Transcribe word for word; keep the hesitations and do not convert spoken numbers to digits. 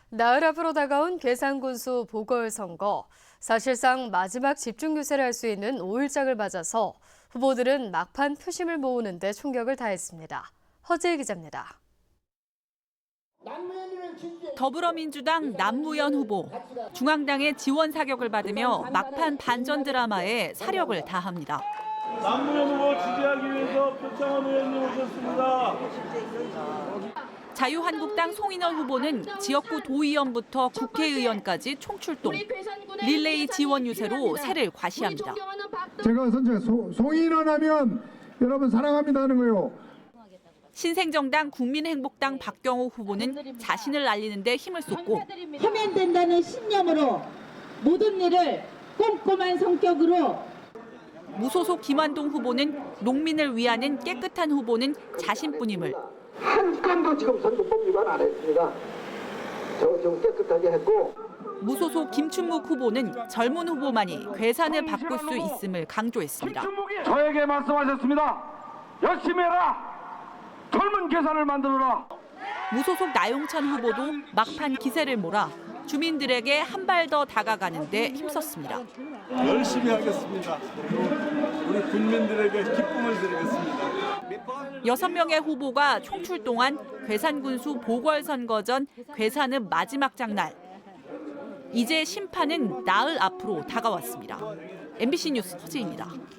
나흘 앞으로 다가온 괴산군수 보궐선거. 사실상 마지막 집중 유세를 할 수 있는 오일장을 맞아서 후보들은 막판 표심을 모으는 데 총력을 다했습니다. 허재희 기자입니다. 더불어민주당 남무현 후보, 중앙당의 지원 사격을 받으며 막판 반전 드라마에 사력을 다합니다. 남무현 후보 지지하기 위해서 표창원 의원님 오셨습니다. 자유한국당 송인원 후보는 지역구 도의원부터 국회의원까지 총출동. 릴레이 지원 유세로 세를 과시합니다. 제가 선제 송인원 하면 여러분 사랑합니다 하는 거요. 신생정당 국민행복당 박경호 후보는 자신을 알리는 데 힘을 쏟고 하면 된다는 신념으로 모든 일을 꼼꼼한 성격으로 무소속 김환동 후보는 농민을 위하는 깨끗한 후보는 자신뿐임을 한 건도 지금 선거법 위반 안 했습니다. 저 좀 깨끗하게 했고. 무소속 김춘묵 후보는 젊은 후보만이 괴산을 바꿀 수 있음을 강조했습니다. 저에게 말씀하셨습니다. 열심히 해라. 젊은 괴산을 만들어라. 무소속 나용찬 후보도 막판 기세를 몰아 주민들에게 한 발 더 다가가는 데 힘썼습니다. 열심히 하겠습니다. 우리 국민들에게 기쁨을 드리겠습니다. 여섯 명의 후보가 총출동한 괴산군수 보궐선거 전 괴산의 마지막 장날. 이제 심판은 나흘 앞으로 다가왔습니다. 엠비씨 뉴스 허재희입니다.